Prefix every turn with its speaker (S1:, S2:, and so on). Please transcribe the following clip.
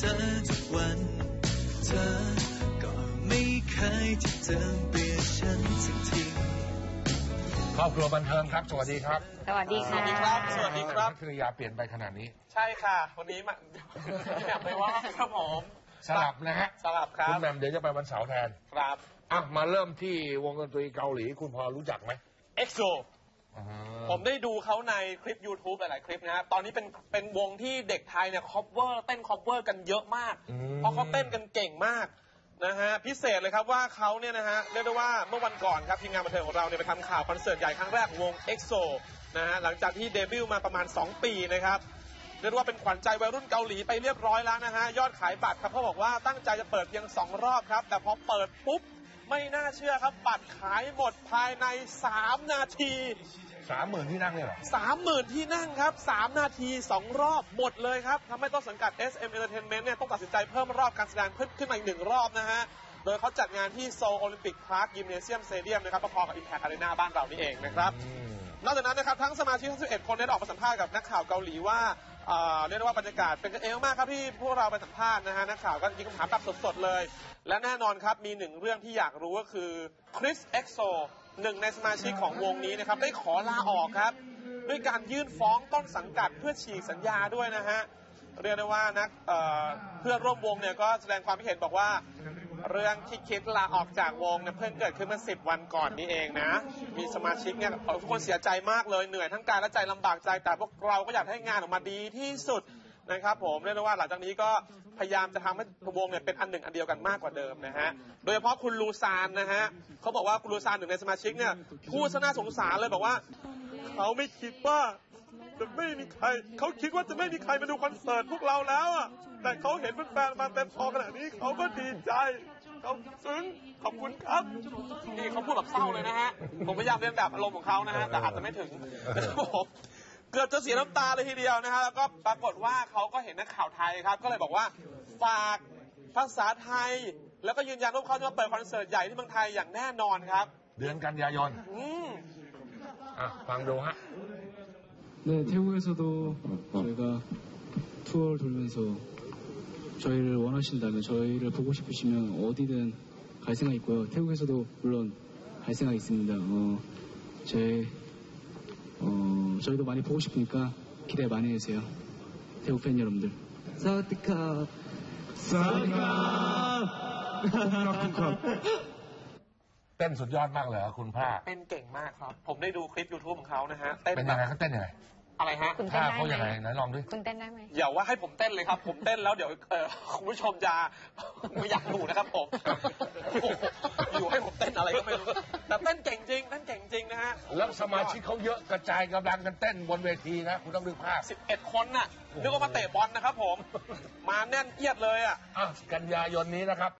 S1: อทุกวันเธอก็ไม่เคยที่จะเปลี่ยนฉันสักที
S2: ครอบครัวบันเทิงครับสวัสดีครับ
S3: สวัสดีค่ะ
S4: สวัสดีครับสวัสดีครับ
S2: ภรรยาเปลี่ยนไปขนาดนี้
S4: ใช่ค่ะวันนี้มาแบบไม่ว่าครับผม
S2: สลับนะฮะ
S4: สลับครับ
S2: คุณแหม่มเดี๋ยวจะไปวันเสาร์แทน
S4: ครับ
S2: มาเริ่มที่วงดนตรีเกาหลีคุณพอรู้จักไหม
S4: EXO ผมได้ดูเขาในคลิป YouTube หลายๆคลิปนะฮะตอนนี้เป็นวงที่เด็กไทยเนี่ยเต้น cover กันเยอะมากเพราะเขาเต้นกันเก่งมากนะฮะพิเศษเลยครับว่าเขาเนี่ยนะฮะเรียกได้ว่าเมื่อวันก่อนครับทีมงานบันเทิงของเราเนี่ยไปทำข่าวคอนเสิร์ตใหญ่ครั้งแรกของวง EXO นะฮะหลังจากที่เดบิวต์มาประมาณ2 ปีนะครับเรียกว่าเป็นขวัญใจวัยรุ่นเกาหลีไปเรียบร้อยแล้วนะฮะยอดขายบัตรครับเขาบอกว่าตั้งใจจะเปิดเพียง2 รอบครับแต่พอเปิดปุ๊บไม่น่าเชื่อครับบัตรขายหมดภายใน3 นาที
S2: 30,000 ที่นั่งเนี่ยเหรอ
S4: 30,000 ที่นั่งครับ3 นาที2 รอบหมดเลยครับทำให้ต้นสังกัด SM Entertainment เนี่ยต้องตัดสินใจเพิ่มรอบการแสดงขึ้นมาอีก1 รอบนะฮะโดยเขาจัดงานที่โซลโอลิมปิกพาร์คยิมเนเซียมสเตเดียมนะครับพอๆกับ Impact Arena บ้านเรานี่เองนะครับนอกจากนั้นนะครับทั้งสมาชิกทั้ง11 คนได้ออกมาสัมภาษณ์กับนักข่าวเกาหลีว่าเรียกได้ว่าบรรยากาศเป็นกันเองมากครับที่พวกเราไปสัมภาษณ์นะฮะนักข่าวก็ยิงคำถามแบบสดๆเลยและแน่นอนครับมี1 เรื่องที่อยากรู้ก็คือคริส EXO 1 ในสมาชิกของวงนี้นะครับได้ขอลาออกครับด้วยการยื่นฟ้องต้นสังกัดเพื่อฉีกสัญญาด้วยนะฮะเรียกได้ว่าเพื่อนร่วมวงเนี่ยก็แสดงความคิดเห็นบอกว่าเรื่องที่คิดลาออกจากวงเนี่ยเพิ่งเกิดขึ้นเมื่อ10 วันก่อนนี้เองนะมีสมาชิกเนี่ยทุกคนเสียใจมากเลยเหนื่อยทั้งกายและใจลำบากใจแต่พวกเราก็อยากให้งานออกมาดีที่สุดนะครับผมเรียกได้ว่าหลังจากนี้ก็พยายามจะทำให้วงเนี่ยเป็นอันหนึ่งอันเดียวกันมากกว่าเดิมนะฮะโดยเฉพาะคุณลูซานนะฮะเขาบอกว่าคุณลูซาน1 ในสมาชิกเนี่ยพูดซะน่าสงสารเลยบอกว่าเขาไม่คิดว่าจะไม่มีใครเขาคิดว่าจะไม่มีใครมาดูคอนเสิร์ตพวกเราแล้วอ่ะแต่เขาเห็นแฟนๆมาเต็มพอขนาดนี้เขาก็ดีใจเขาซึ้งขอบคุณครับนี่เขาพูดแบบเศร้าเลยนะฮะผมพยายามเรียนแบบอารมณ์ของเขานะฮะแต่อาจจะไม่ถึงนะครับผมเกือบจะเสียน้ำตาเลยทีเดียวนะฮะแล้วก็ปรากฏว่าเขาก็เห็นนักข่าวไทยครับก็เลยบอกว่าฝากภาษาไทยแล้วก็ยืนยันว่าเขาจะมาเปิดคอนเสิร์ตใหญ่ที่เมืองไทยอย่างแน่นอนครับ
S2: เดือนกันยายนฟังดูฮะ
S5: 네, 태국에서도 저희가 투어를 돌면서 저희를 원하신다면 저희를 보고 싶으시면 어디든 갈 생각 있고요. 태국에서도 물론 갈 생각 있습니다. 저희도 많이 보고 싶으니까 기대 많이 해주세요. 태국 팬 여러분들. 사와디캅. 사와디캅.
S2: เต้นสุดยอดมากเลยคุณผ้า
S4: เต้นเก่งมากครับผมได้ดูคลิป YouTube ของเขานะฮะเต้น
S2: เป็นยังไงเขาเต้นยังไง
S4: อะไรฮะ
S3: ท่า
S2: เขาอย่างไรไหนลองดิ
S3: คุณเต้นได้ไหม
S4: อย่าว่าให้ผมเต้นเลยครับผมเต้นแล้วเดี๋ยวคุณผู้ชมจะไม่อยากดูนะครับผมอยู่ให้ผมเต้นอะไรก็ไม่รู้แต่เต้นเก่งจริงเต้นเก่งจริงนะฮะ
S2: แล้วสมาชิกเขาเยอะกระจายกำลังกันเต้นบนเวทีนะคุณต้องดูภาพ
S4: 11 คนน่ะนึกว่ามาเตะบอลนะครับผมมาแน่นเอียดเลยอ่ะ
S2: กันยายนนี้นะครับ